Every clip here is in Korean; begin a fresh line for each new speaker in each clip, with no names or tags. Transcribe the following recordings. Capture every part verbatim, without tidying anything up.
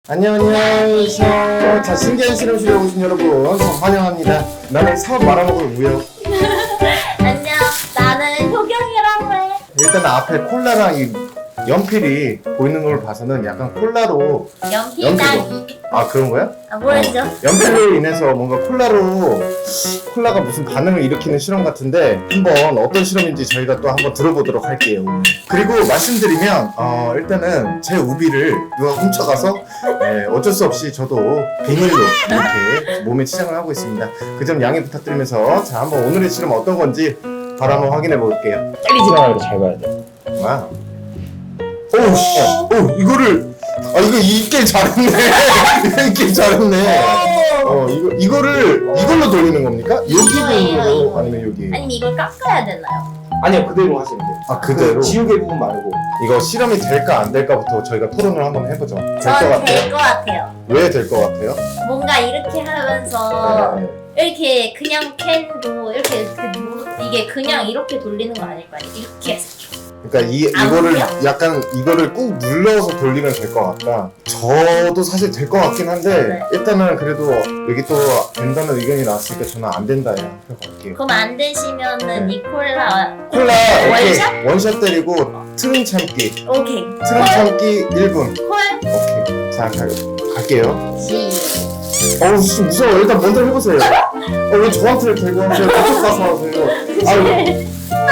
안녕 안녕하세요. 자, 신기한 실험실에 오신 여러분 환영합니다. 나는 사업 말아먹을 우요.
안녕, 나는 효경이라고 해.
일단 앞에 콜라랑 이 연필이 보이는 걸 봐서는 약간 콜라로
연필다리.
아 그런 거야?
아, 뭐였죠?
어, 연필로 인해서 뭔가 콜라로 콜라가 무슨 반응을 일으키는 실험 같은데 한번 어떤 실험인지 저희가 또 한번 들어보도록 할게요. 그리고 말씀드리면 어, 일단은 제 우비를 누가 훔쳐가서 네, 어쩔 수 없이 저도 비닐로 이렇게 몸에 치장을 하고 있습니다. 그 점 양해 부탁드리면서 자 한번 오늘의 실험 어떤 건지 바로 한번 확인해 볼게요.
빨리 지나가야 돼. 잘 봐야 돼.
와. 오우 씨. 오 이거를 아 이거 이게 잘했네. 이거 이게 잘했네. 어 이거 이거를 이걸로 돌리는 겁니까? 여기
이거예요,
부분으로
이거.
아니면 여기?
아니면 이걸 깎아야 되나요?
아니요, 그대로 하시면 돼요.
아 그대로?
그 지우개 부분 말고.
이거 실험이 될까 안 될까부터 저희가 토론을 한번 해보죠. 될 것
전
같아요?
될 것 같아요.
왜 될 것 같아요?
뭔가 이렇게 하면서
네.
이렇게 그냥 캔도 이렇게 그 뭐- 이게 그냥 이렇게 돌리는 거 아닐까요? 이렇게 해서.
그러니까 이
안
이거를
돼요?
약간 이거를 꾹 눌러서 돌리면 될 것 같다. 저도 사실 될 것 같긴 한데
네.
일단은 그래도 여기 또 된다는 의견이 나왔으니까 저는 안 된다야 표 갈게요.
그럼 안 되시면은
네.
이 콜라
콜라 이렇게
원샷?
원샷 때리고 트름 참기
오케이.
트름 참기 일 분.
콜
오케이. 자 가, 갈게요.
시.
어우 씨 무서워. 일단 먼저 해보세요. 어, 왜 저한테 들고 하세요? 그쪽 가서 하세요. 아유.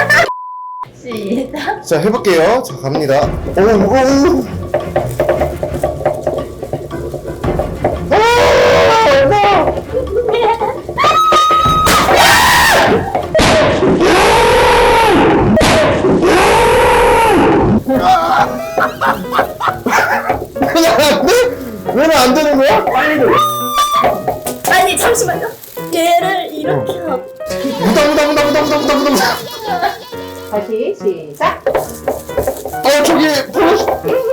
시작.
자 해볼게요. 자 갑니다. 오, 오, 왜는 안 되는 거야? 빨리.
아니 잠시만요. 얘를 이렇게 하고.
무다 무다 무다 무다 무다 무다 무다.
다시 시작.
어 저기 보여줘.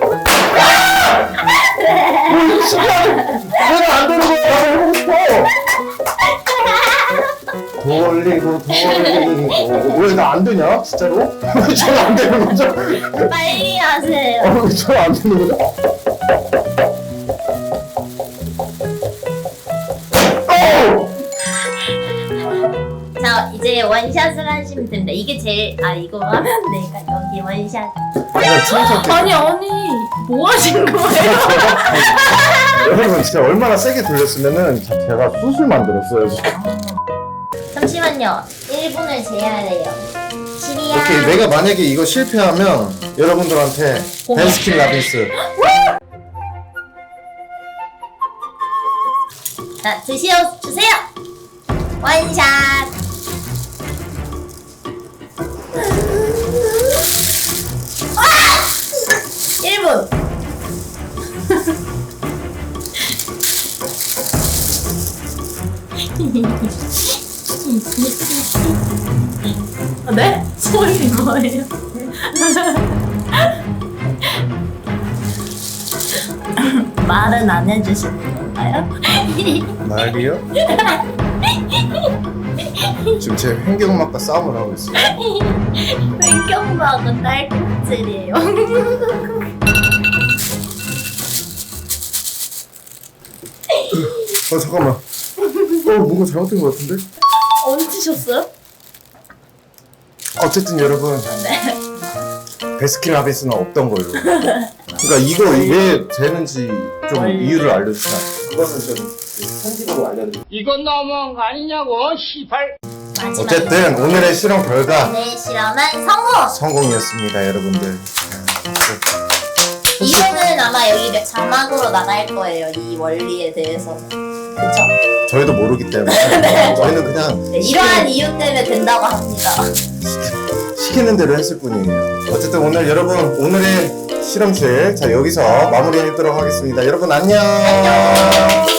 왜는 안 되는 거야? 하고 싶어. 돌리고 돌리고 왜 나 안 되냐? 진짜로? 왜 저는 안 되는 거죠?
빨리 하세요.
어, 왜 저는 안 되는 거죠?
자 이제 원샷을 하시면 됩니다. 이게 제일 아 이거 하면 되니까 여기 원샷.
내가 침착해.
아니 아니 뭐 하신 거예요?
여러분 진짜 얼마나 세게 돌렸으면은 제가 숯을 만들었어요.
잠시만요. 일 분을 재야 돼요. 시리아.
오케이 내가 만약에 이거 실패하면 여러분들한테
공약.
벤스킨 라빈스
자 드시오 주세요. 원샷. 아! 일 분. 아, 네? 소리 뭐예요? 말은 안 해주시는 건가요?
말이요? 지금 제 횡격막과 싸움을 하고 있어요.
횡격막은 딸꾹질이에요.
어 잠깐만. 어 뭔가 잘못된 것 같은데?
얹으셨어요?
어쨌든 여러분
네.
베스킨 라빈스는 없던 걸로. 그러니까 이거 왜 되는지 좀
원래.
이유를 알려주시면.
그거는 좀 편집으로 알려드릴게요.
이건 너무한 거 아니냐고, 시발.
마지막.
어쨌든 오늘의 실험 결과
오늘 실험은 성공!
성공이었습니다, 여러분들.
이거는 아마 여기 자막으로 나갈 거예요. 이 원리에 대해서는. 그쵸?
저희도 모르기 때문에 저희는 그냥
네, 이러한 이유 때문에 된다고 합니다.
시키는 대로 했을 뿐이에요. 어쨌든 오늘 여러분 오늘의 실험실 자 여기서 마무리하도록 하겠습니다. 여러분 안녕.
안녕!